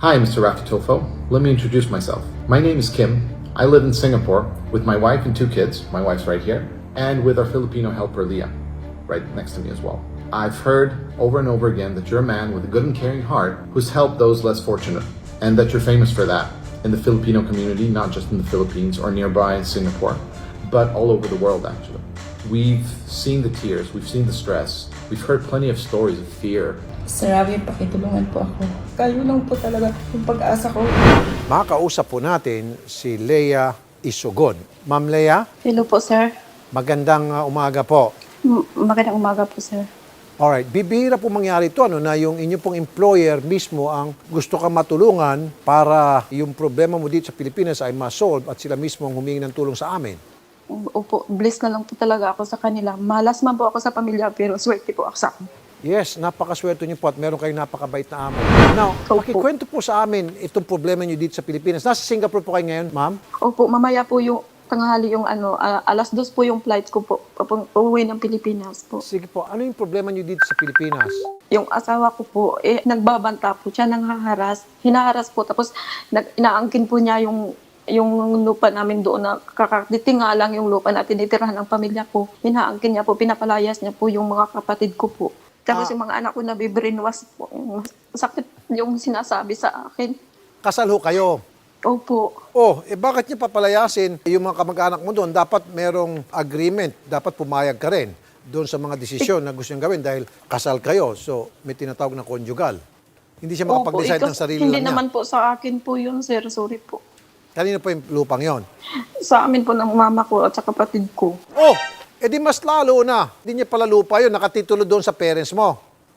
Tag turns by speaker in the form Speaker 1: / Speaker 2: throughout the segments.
Speaker 1: Hi, Mr. Rakatofo. Let me introduce myself. My name is Kim. I live in Singapore with my wife and 2 kids. My wife's right here. And with our Filipino helper, Leah, right next to me as well. I've heard over and over again that you're a man with a good and caring heart who's helped those less fortunate, and that you're famous for that in the Filipino community, not just in the Philippines or nearby in Singapore, but all over the world, actually. We've seen the tears, we've seen the stress, we've heard plenty of stories of fear.
Speaker 2: Sir Ravi, pakitulungan po ako. Kayo lang po talaga yung pag-asa ko.
Speaker 3: Makakausap po natin si Leah Isugon. Ma'am Leah,
Speaker 4: Hello po, sir.
Speaker 3: magandang umaga po.
Speaker 4: Magandang umaga po, sir.
Speaker 3: Alright, bibihira po mangyari ito na yung inyo pong employer mismo ang gusto ka matulungan para yung problema mo dito sa Pilipinas ay ma-solve at sila mismo ang humingi ng tulong sa amin.
Speaker 4: Opo, blessed na lang po talaga ako sa kanila. Malas man po ako sa pamilya, pero swerte po ako sa akin.
Speaker 3: Yes, napakaswerte niyo po at meron kayong napakabait na amo. Now,
Speaker 4: Opo.
Speaker 3: pakikwento po sa amin itong problema niyo dito sa Pilipinas. Nasa Singapore po kayo ngayon, ma'am?
Speaker 4: Opo, mamaya po yung tanghali yung alas 2 po yung flight ko po, uuwi ng Pilipinas po.
Speaker 3: Sige po, ano yung problema niyo dito sa Pilipinas?
Speaker 4: Yung asawa ko po, nagbabanta po siya, nanghaharas, hinaharas po, tapos inaangkin po niya yung lupa namin doon na kakatitinga lang yung lupa na tinitirahan ng pamilya ko. Hinaangkin niya po, pinapalayas niya po yung mga kapatid ko po. Tapos yung mga anak ko na bibrinwas po. Sakit yung sinasabi sa akin.
Speaker 3: Kasal ho kayo.
Speaker 4: Opo.
Speaker 3: Oh, bakit niya papalayasin yung mga kamag-anak mo doon? Dapat merong agreement, dapat pumayag ka rin doon sa mga desisyon na gusto niyang gawin dahil kasal kayo. So, may tinatawag na conjugal. Hindi siya makapag-decide ng sarili
Speaker 4: Hindi
Speaker 3: lang niya.
Speaker 4: naman po sa akin po yun, sir. Sorry po.
Speaker 3: Kanino po yung lupang yon?
Speaker 4: Sa amin po ng mama ko at sa kapatid ko.
Speaker 3: Oh, edi mas lalo na. Hindi niya pala lupa yun, nakatitulo doon sa parents mo.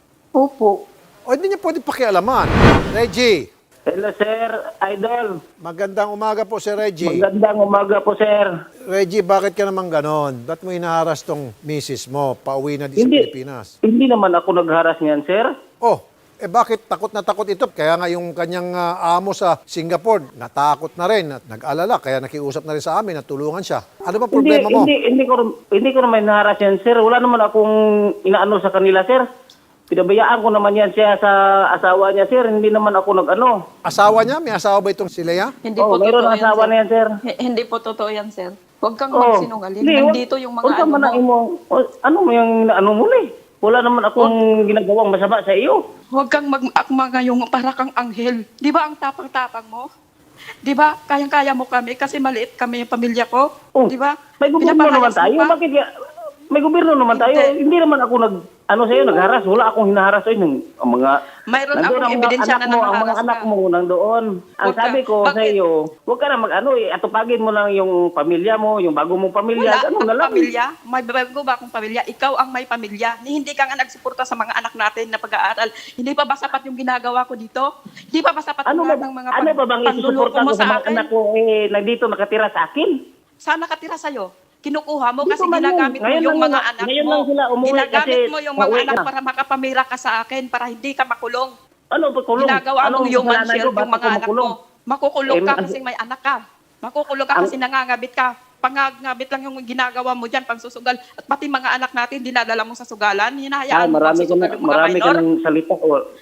Speaker 4: Opo.
Speaker 3: O hindi niya pwede pakialaman. Reggie,
Speaker 5: Hello, sir. Idol.
Speaker 3: magandang umaga po, Sir Reggie.
Speaker 5: Magandang umaga po, sir.
Speaker 3: Reggie, bakit ka naman ganon? Ba't mo inaharas tong misis mo? Pauwi na di sa Pilipinas.
Speaker 5: Hindi naman ako nagharas niyan, sir.
Speaker 3: Oh, bakit takot na takot ito? Kaya nga yung kanyang amo sa Singapore, natakot na rin, at nag-alala, kaya nakiusap na rin sa amin, natulungan siya. Ano ba problema mo?
Speaker 5: Hindi ko naman naharas yan, sir. Wala naman akong inaano sa kanila, sir. Pinabayaan ko naman yan siya sa asawa niya, sir. Hindi naman ako nag-ano.
Speaker 3: Asawa niya? May asawa ba itong si Leah?
Speaker 4: Hindi
Speaker 5: Oh,
Speaker 4: po
Speaker 5: mayroon
Speaker 4: totoo
Speaker 5: ang asawa na yan, sir.
Speaker 4: Hindi po totoo yan, sir. Huwag kang
Speaker 5: Oh,
Speaker 4: magsinungaling.
Speaker 5: hindi,
Speaker 4: Nandito yung mga
Speaker 5: huwag
Speaker 4: ano mo.
Speaker 5: ano mo yung ano mo eh. Wala naman akong ginagawang masama sa iyo.
Speaker 4: Huwag kang mag-akma ngayong para kang anghel. Di ba ang tapang-tapang mo? Di ba? Kayang-kaya mo kami kasi maliit kami yung pamilya ko.
Speaker 5: Oh,
Speaker 4: Di ba?
Speaker 5: May gobyerno naman
Speaker 4: Pinapalayas mo
Speaker 5: tayo.
Speaker 4: pa.
Speaker 5: Bakit may gobyerno naman tayo?
Speaker 4: Hindi.
Speaker 5: Hindi naman ako nagharas. Wala akong hinaharas. Ang mga
Speaker 4: Mayroon
Speaker 5: nandoon
Speaker 4: akong
Speaker 5: ang mga
Speaker 4: ebidensya
Speaker 5: anak
Speaker 4: na
Speaker 5: mo, ang mga
Speaker 4: nangaharas
Speaker 5: anak
Speaker 4: ka.
Speaker 5: mo nandoon. Ang
Speaker 4: Huwag ka-
Speaker 5: sabi ko sa
Speaker 4: bakit?
Speaker 5: iyo, huwag ka na atupagin mo lang yung pamilya mo, yung bago mong pamilya.
Speaker 4: Wala
Speaker 5: Ganun na
Speaker 4: akong
Speaker 5: lang.
Speaker 4: pamilya. May bago ba akong pamilya? Ikaw ang may pamilya. Hindi ka nga nagsuporta sa mga anak natin na pag-aaral. Hindi pa ba sapat yung ginagawa ko dito? Hindi pa ba sapat
Speaker 5: Ano
Speaker 4: ang
Speaker 5: ba,
Speaker 4: ng mga
Speaker 5: ano ba bang
Speaker 4: panluloko
Speaker 5: isusuporta
Speaker 4: mo
Speaker 5: ko sa
Speaker 4: sa
Speaker 5: mga
Speaker 4: akin?
Speaker 5: anak ko nandito nakatira sa akin?
Speaker 4: Saan nakatira sa'yo? Kinukuha mo
Speaker 5: Dito
Speaker 4: kasi
Speaker 5: man yun.
Speaker 4: ginagamit mo
Speaker 5: Ngayon
Speaker 4: yung
Speaker 5: lang
Speaker 4: mga
Speaker 5: nila-
Speaker 4: anak
Speaker 5: ngayon
Speaker 4: mo.
Speaker 5: lang sila umuwi
Speaker 4: Ginagamit
Speaker 5: kasi
Speaker 4: mo yung mga
Speaker 5: pauwi
Speaker 4: anak
Speaker 5: na.
Speaker 4: para makapamira ka sa akin para hindi ka makulong.
Speaker 5: Ano ba kulong?
Speaker 4: Ginagawa mong human shield yung mga anak mo. Makukulong ka
Speaker 5: Eh,
Speaker 4: kasi may anak ka. Makukulong ka kasi nangangabit ka. Pangangabit lang yung ginagawa mo dyan, pangsusugal. At pati mga anak natin, dinadala mo sa sugalan. Hinahayaan mo pangsusugal yung mga
Speaker 5: marami ka
Speaker 4: minor.
Speaker 5: ng salita.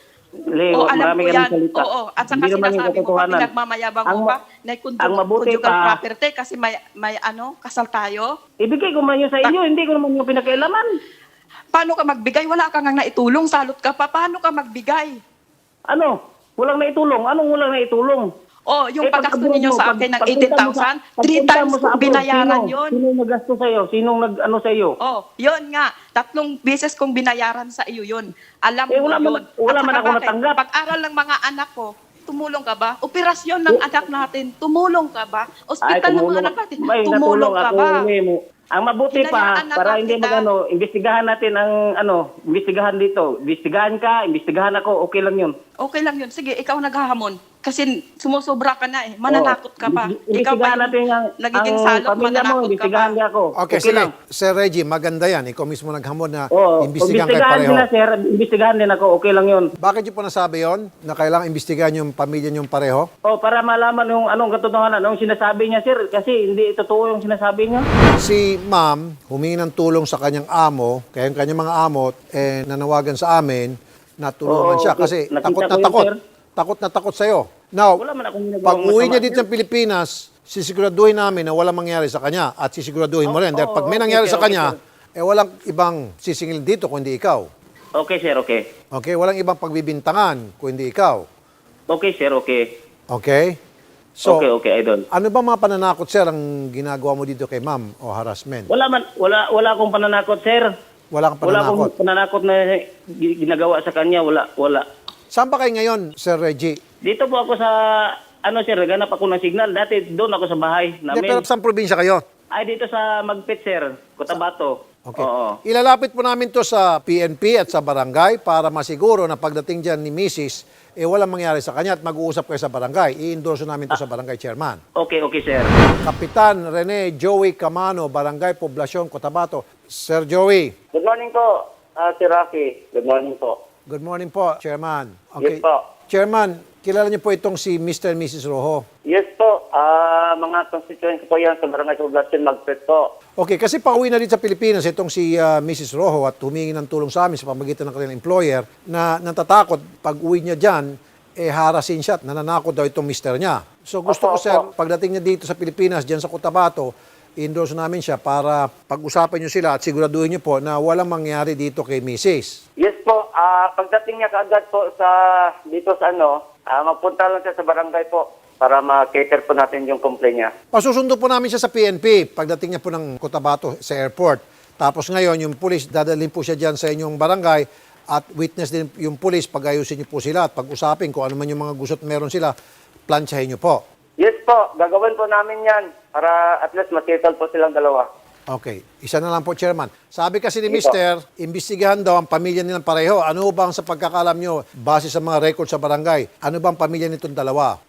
Speaker 4: O, alam
Speaker 5: marami
Speaker 4: ko
Speaker 5: ka
Speaker 4: yan.
Speaker 5: ng salita.
Speaker 4: Oo, at saka
Speaker 5: Hindi naman yung
Speaker 4: sinasabi mo pa,
Speaker 5: katotohanan.
Speaker 4: pinagmamayabang mo
Speaker 5: Ang-
Speaker 4: pa, na
Speaker 5: ang mabuti
Speaker 4: conjugal
Speaker 5: pa-
Speaker 4: property kasi may kasal tayo.
Speaker 5: Ibigay ko man yun sa inyo, hindi ko naman yung pinakailaman.
Speaker 4: Paano ka magbigay? Wala ka nga naitulong, salot ka pa. Paano ka magbigay?
Speaker 5: Ano? Walang naitulong? Anong walang naitulong?
Speaker 4: Oh, yung paggasto
Speaker 5: pag-abroad
Speaker 4: ninyo
Speaker 5: mo,
Speaker 4: sa akin ng
Speaker 5: pagpunta mo
Speaker 4: 18,000,
Speaker 5: pagpunta
Speaker 4: 3 times
Speaker 5: mo sa
Speaker 4: kong
Speaker 5: abroad,
Speaker 4: binayaran
Speaker 5: sino?
Speaker 4: yun.
Speaker 5: Sinong naggasto sa'yo? Sinong nag-ano sa'yo?
Speaker 4: Oh, yun nga. 3 beses kong binayaran sa iyo yun. Alam mo
Speaker 5: wala
Speaker 4: yun.
Speaker 5: wala
Speaker 4: At
Speaker 5: man
Speaker 4: saka
Speaker 5: ako
Speaker 4: bakit?
Speaker 5: natanggap.
Speaker 4: Pag-aral ng mga anak ko, tumulong ka ba? Operasyon ng anak natin, tumulong ka ba? Ospital ng mga anak natin,
Speaker 5: May
Speaker 4: tumulong
Speaker 5: natulong
Speaker 4: ka
Speaker 5: ako.
Speaker 4: ba?
Speaker 5: Ang mabuti pa,
Speaker 4: Hinayaan na
Speaker 5: para
Speaker 4: lang
Speaker 5: hindi
Speaker 4: kita.
Speaker 5: imbestigahan natin imbestigahan dito. Imbestigahan ka, imbestigahan ako, okay lang yun.
Speaker 4: Okay lang yun. Sige, ikaw naghahamon. Kasi sumusobra ka na eh. Mananakot ka pa. Ikaw pa
Speaker 5: Imbestigahan natin
Speaker 4: yung nagiging salot,
Speaker 5: pamilya mo,
Speaker 4: mananakot ka pa.
Speaker 5: imbestigahan niya ako.
Speaker 3: Okay, sige. Sir Reggie, maganda yan. Ikaw mismo naghamon na
Speaker 5: Oo,
Speaker 3: imbestigahan kayo
Speaker 5: imbestigahan
Speaker 3: pareho.
Speaker 5: sila, sir. Imbestigahan din ako, okay lang yun.
Speaker 3: Bakit niyo po nasabi yon na kailangan imbestigahan yung pamilya niyong pareho?
Speaker 5: Para malaman yung anong katotohanan, anong sinasabi niya, sir. Kasi hindi totoo yung sinasabi niya.
Speaker 3: Si ma'am, humingi ng tulong sa kanyang amo, kaya yung kanyang mga amo, nanawagan sa amin na tulungan
Speaker 5: Oo,
Speaker 3: siya kasi
Speaker 5: nakita
Speaker 3: takot
Speaker 5: ko
Speaker 3: na
Speaker 5: yun,
Speaker 3: takot.
Speaker 5: sir.
Speaker 3: takot na takot sa'yo. Now,
Speaker 5: Wala man akong ginagawang
Speaker 3: pag uwi niya
Speaker 5: masama,
Speaker 3: dito sa Pilipinas, sisiguraduhin namin na walang mangyari sa kanya at sisiguraduhin mo rin. Dahil pag may nangyari sa kanya, walang ibang sisingil dito kundi ikaw.
Speaker 5: Okay, sir, okay.
Speaker 3: Okay? Walang ibang pagbibintangan kundi ikaw.
Speaker 5: Okay, sir, okay.
Speaker 3: Okay? So,
Speaker 5: Okay, idol.
Speaker 3: ano ba mga pananakot, sir, ang ginagawa mo dito kay ma'am o harassment?
Speaker 5: Wala akong pananakot, sir.
Speaker 3: Wala kang
Speaker 5: Wala
Speaker 3: pananakot.
Speaker 5: akong pananakot na ginagawa sa kanya. Wala.
Speaker 3: Saan ba kayo ngayon, Sir Reggie?
Speaker 5: Dito po ako sa, sir, naghanap ako ng signal. Dati doon ako sa bahay
Speaker 3: Hindi,
Speaker 5: namin.
Speaker 3: pero saan probinsya kayo?
Speaker 5: Ay, dito sa Magpit, sir. Cotabato.
Speaker 3: Okay.
Speaker 5: Oo.
Speaker 3: Ilalapit po namin to sa PNP at sa barangay para masiguro na pagdating dyan ni Mrs., walang mangyari sa kanya at mag-uusap kayo sa barangay. I-endorse namin to sa barangay chairman.
Speaker 5: Okay, sir.
Speaker 3: Kapitan Rene Joey Camano, Barangay Poblacion, Cotabato. Sir Joey,
Speaker 6: Good morning po, Sir Rocky. Good morning po.
Speaker 3: good morning po, Chairman. Okay.
Speaker 6: Yes po.
Speaker 3: Chairman, kilala niyo po itong si Mr. and Mrs. Rojo.
Speaker 6: Yes po, mga constituents ko yan sa Barangay Poblacion Magpet po.
Speaker 3: Okay, kasi pauwi na rin sa Pilipinas itong si Mrs. Rojo at humingi ng tulong sa amin sa pamagitan ng kanilang employer na natatakot pag uwi niya dyan, harasin siya at nananakot daw itong mister niya. So gusto ko,
Speaker 6: Opo,
Speaker 3: sir,
Speaker 6: opo.
Speaker 3: pagdating niya dito sa Pilipinas, dyan sa Cotabato, i-endorse namin siya para pag-usapan niyo sila at siguraduhin niyo po na walang mangyari dito kay Mrs.
Speaker 6: Yes po, pagdating niya kaagad po dito sa magpunta lang siya sa barangay po para ma-cater po natin yung complaint niya.
Speaker 3: Pasusundo po namin siya sa PNP pagdating niya po ng Cotabato sa airport. Tapos ngayon, yung pulis, dadalhin po siya dyan sa inyong barangay at witness din yung pulis, pag-ayusin niyo po sila at pag-usapin kung ano man yung mga gusto't meron sila, plansyahin niyo po.
Speaker 6: Yes po, gagawin po namin yan para at least ma-settle po silang dalawa.
Speaker 3: Okay, isa na lang po, Chairman. Sabi kasi ni
Speaker 6: Sige po.
Speaker 3: Mister, imbestigahan daw ang pamilya nilang pareho. Ano bang sa pagkakalam niyo, base sa mga record sa barangay, ano bang pamilya nitong dalawa?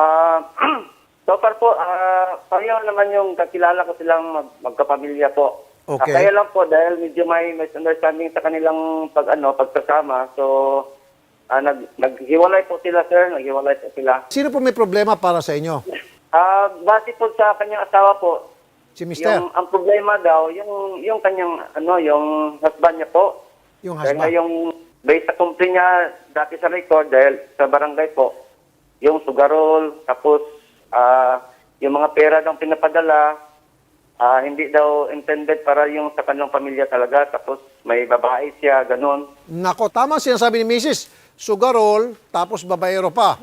Speaker 6: So far po, pareho naman yung kakilala ko silang magkapamilya po.
Speaker 3: Okay.
Speaker 6: Kaya lang po, dahil medyo may misunderstanding sa kanilang pagkasama, so naghiwalay po sila, sir. Naghiwalay po sila.
Speaker 3: Sino po may problema para sa inyo?
Speaker 6: Base po sa kanyang asawa po,
Speaker 3: Si Mister?
Speaker 6: ang problema daw, yung kanyang, yung husband niya po.
Speaker 3: Yung
Speaker 6: Dahil nga
Speaker 3: husband?
Speaker 6: yung based sa complaint niya dati sa record, dahil sa barangay po, yung sugarol, tapos yung mga pera daw pinapadala, hindi daw intended para yung sa kanilang pamilya talaga, tapos may babae siya, ganun.
Speaker 3: Nako, tama sinasabi ni Mrs. Sugarol, tapos babaero pa.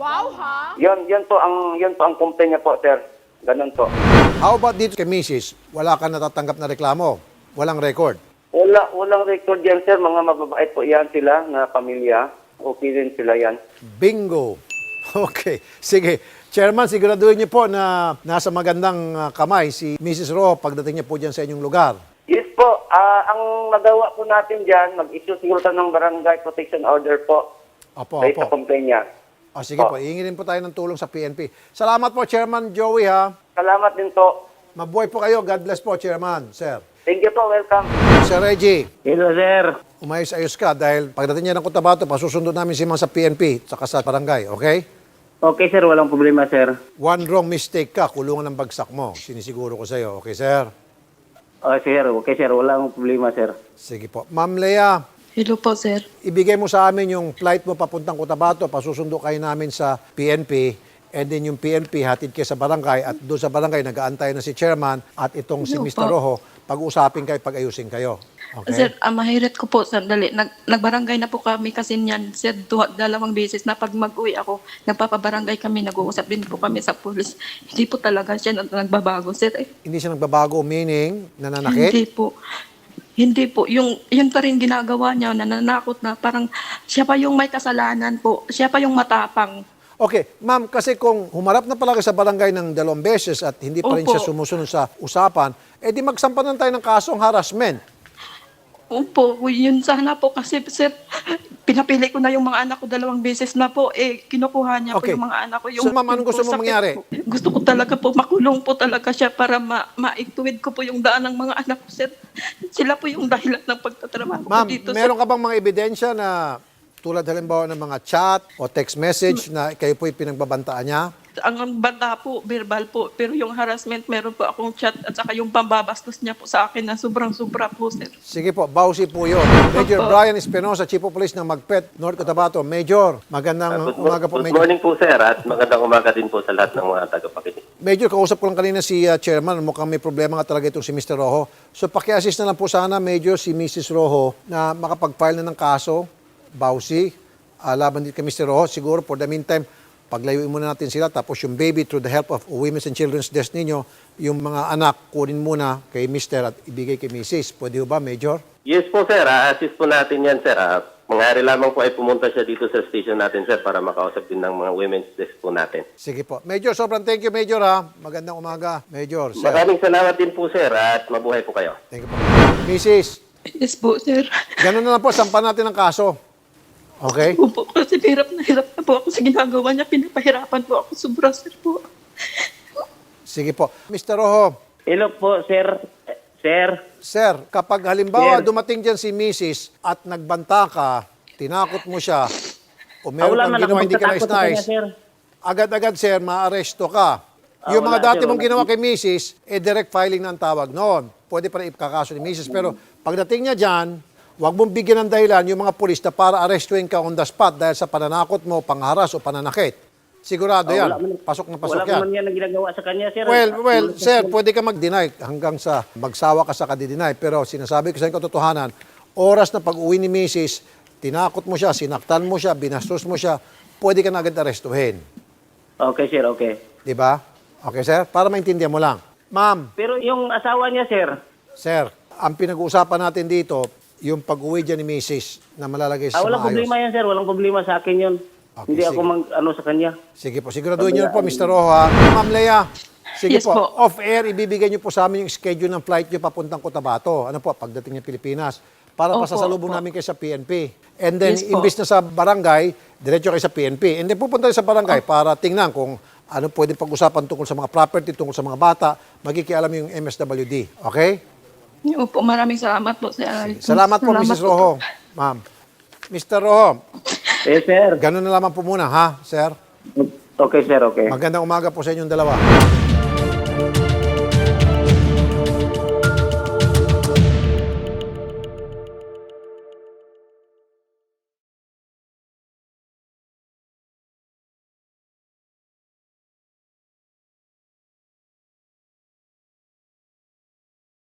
Speaker 6: Yun po ang complaint niya po, sir. Ganun po.
Speaker 3: How about dito kay Mrs.? Wala ka natatanggap na reklamo? Walang record?
Speaker 6: Walang record yan, sir. Mga mababait po yan sila na pamilya. Okay din sila yan.
Speaker 3: Bingo. Okay. Sige. Chairman, siguraduhin niyo po na nasa magandang kamay si Mrs. Ro pagdating niya po dyan sa inyong lugar.
Speaker 6: Yes po. Ang magawa po natin dyan, mag-issue siguro tayo ng barangay protection order po.
Speaker 3: Opo,
Speaker 6: Based sa
Speaker 3: opo.
Speaker 6: complaint niya.
Speaker 3: O, sige po, iingin po tayo ng tulong sa PNP. Salamat po, Chairman Joey, ha.
Speaker 6: Salamat din po.
Speaker 3: Mabuhay po kayo. God bless po, Chairman, sir.
Speaker 6: Thank you po. Welcome.
Speaker 3: Sir Reggie,
Speaker 5: Hello, sir.
Speaker 3: umayos-ayos ka dahil pagdating niya ng Cotabato, pasusundo namin si Ma'am sa PNP saka sa barangay, okay?
Speaker 5: Okay, sir. Walang problema, sir.
Speaker 3: One wrong mistake ka, kulungan ng bagsak mo. Sinisiguro ko sa'yo, okay, sir?
Speaker 5: Sir. Okay, sir. Walang problema, sir.
Speaker 3: Sige po. Ma'am Lea,
Speaker 4: Hello po, sir.
Speaker 3: ibigay mo sa amin yung flight mo papuntang Cotabato, pasusundo kayo namin sa PNP, and then yung PNP hatid kayo sa barangay, at doon sa barangay nag-aantay na si chairman at itong si
Speaker 4: Ano
Speaker 3: Mr.
Speaker 4: po?
Speaker 3: Rojo, pag-usapin kayo, pag-ayusin kayo. Okay?
Speaker 4: Sir, mahirit ko po, sandali. Nagbarangay na po kami kasi niyan, sir, dalawang beses na pag mag-uwi ako, nagpapabarangay kami, nag-uusap din po kami sa pulis. Hindi po talaga siya nagbabago, sir.
Speaker 3: Hindi siya nagbabago, meaning nananakit?
Speaker 4: Hindi po. Hindi po. Yun pa rin ginagawa niya, nananakot na. Parang siya pa yung may kasalanan po. Siya pa yung matapang.
Speaker 3: Okay, ma'am, kasi kung humarap na pala kayo sa barangay ng 2 beses at hindi pa rin
Speaker 4: Opo.
Speaker 3: siya sumusunod sa usapan, di magsampan tayo ng kasong harassment.
Speaker 4: Opo, yun sana po kasi sir, pinapili ko na yung mga anak ko 2 beses na po, kinukuha niya
Speaker 3: Okay.
Speaker 4: po yung mga anak ko.
Speaker 3: So, ma'am, anong gusto mo
Speaker 4: sakit
Speaker 3: mangyari?
Speaker 4: po. Gusto ko talaga po, makulong po talaga siya para maituwid ko po yung daan ng mga anak ko, sir. Sila po yung dahilan ng pagtatrabaho ko
Speaker 3: Ma'am,
Speaker 4: dito,
Speaker 3: meron
Speaker 4: sir.
Speaker 3: ka bang mga ebidensya na tulad halimbawa ng mga chat o text message na kayo po'y pinagbabantaan niya?
Speaker 2: Ang banta po, verbal po. Pero yung harassment, meron po akong chat at saka yung pambabastos niya po sa akin na sobrang-sobra po, sir.
Speaker 3: Sige po, bawsi po yun. Major Brian Espinosa, Chief of Police ng Magpet, North Cotabato. Major, magandang umaga po,
Speaker 7: Good
Speaker 3: Major.
Speaker 7: morning po, sir, at magandang umaga din po sa lahat ng mga tagapakinig.
Speaker 3: Major, kausap ko lang kanina si Chairman. Mukhang may problema nga talaga itong si Mr. Rojo. So paki-assist na lang po sana, Major, si Mrs. Rojo na makapag-file na ng kaso, bawsi, laban din kay Mr. Rojo. Siguro for the meantime, paglayuin muna natin sila. Tapos yung baby, through the help of Women's and Children's Desk ninyo, yung mga anak, kunin muna kay Mr. at ibigay kay Mrs. Pwede ba, Major?
Speaker 7: Yes po, sir. Assist po natin yan, sir. Mangyari lamang po ay pumunta siya dito sa station natin, sir, para makausap din ng mga women's desk po natin.
Speaker 3: Sige po. Major, sobrang thank you, Major, ha. Magandang umaga, Major. Sir.
Speaker 7: Maraming salamat din po, sir, at mabuhay po kayo.
Speaker 3: Thank you po. Mrs.,
Speaker 2: Yes po, sir.
Speaker 3: ganun na lang po, sampan natin ang kaso. Okay?
Speaker 2: Opo, kasi hirap na po ako sa ginagawa niya. Pinapahirapan po ako sobra, sir po.
Speaker 3: Sige po. Mr. Rojo,
Speaker 5: Hello po, sir. Sir,
Speaker 3: sir, kapag halimbawa
Speaker 5: Sir.
Speaker 3: dumating dyan si Mrs. at nagbanta ka, tinakot mo siya, o meron
Speaker 5: wala
Speaker 3: kang
Speaker 5: man
Speaker 3: ginawa
Speaker 5: akong
Speaker 3: hindi ka
Speaker 5: pagtatakot sa kanya,
Speaker 3: nais-nais,
Speaker 5: sir.
Speaker 3: agad-agad, sir, maaresto ka. Yung mga
Speaker 5: wala,
Speaker 3: dati
Speaker 5: sir,
Speaker 3: mong
Speaker 5: wala.
Speaker 3: ginawa kay Mrs., direct filing na ang tawag noon. Pwede pa rin ipakakaso ni Mrs. Pero pagdating niya dyan, huwag mong bigyan ng dahilan yung mga pulis na para arestuin ka on the spot dahil sa pananakot mo, pangharas o pananakit. Sigurado yan. Pasok na pasok
Speaker 5: Wala
Speaker 3: yan.
Speaker 5: ko man yan ang ginagawa sa kanya, sir.
Speaker 3: Well, sir, pwede ka mag-deny hanggang sa magsawa ka sa kadideny. Pero sinasabi ko sa inyo katotohanan, oras na pag-uwi ni Mrs., tinakot mo siya, sinaktan mo siya, binastos mo siya, pwede ka na agad arestuhin.
Speaker 5: Okay, sir, okay.
Speaker 3: Di ba? Okay, sir? Para maintindihan mo lang. Ma'am,
Speaker 5: Pero yung asawa niya, sir,
Speaker 3: sir, ang pinag-uusapan natin dito, yung pag-uwi dyan ni Mrs. na malalagay sa
Speaker 5: walang
Speaker 3: maayos.
Speaker 5: problema yan, sir. Walang problema sa akin yun.
Speaker 3: Okay,
Speaker 5: Hindi
Speaker 3: sige.
Speaker 5: ako mag-ano sa kanya.
Speaker 3: Sige po, siguraduhin niyo na po, Mr. Rojo, ha? Ma'am Lea, sige
Speaker 2: Yes
Speaker 3: po,
Speaker 2: po.
Speaker 3: off-air, ibibigay niyo po sa amin yung schedule ng flight niyo papuntang Cotabato. Ano po, pagdating ng Pilipinas. Para
Speaker 2: Opo,
Speaker 3: pasasalubong
Speaker 2: opo.
Speaker 3: namin kayo sa PNP. And then,
Speaker 2: Yes po.
Speaker 3: imbis na sa barangay, diretso kayo sa PNP. And then, pupunta kayo sa barangay para tingnan kung ano pwedeng pag-usapan tungkol sa mga property, tungkol sa mga bata. Magkikialam yung MSWD. Okay?
Speaker 2: Opo, maraming salamat po, sir.
Speaker 3: Salamat po, Mrs. Rojo. Ma'am. Mr. Rojo,
Speaker 5: Yes, sir.
Speaker 3: ganun na lamang po muna, ha, sir?
Speaker 5: Okay, sir, okay.
Speaker 3: Magandang umaga po sa inyong dalawa.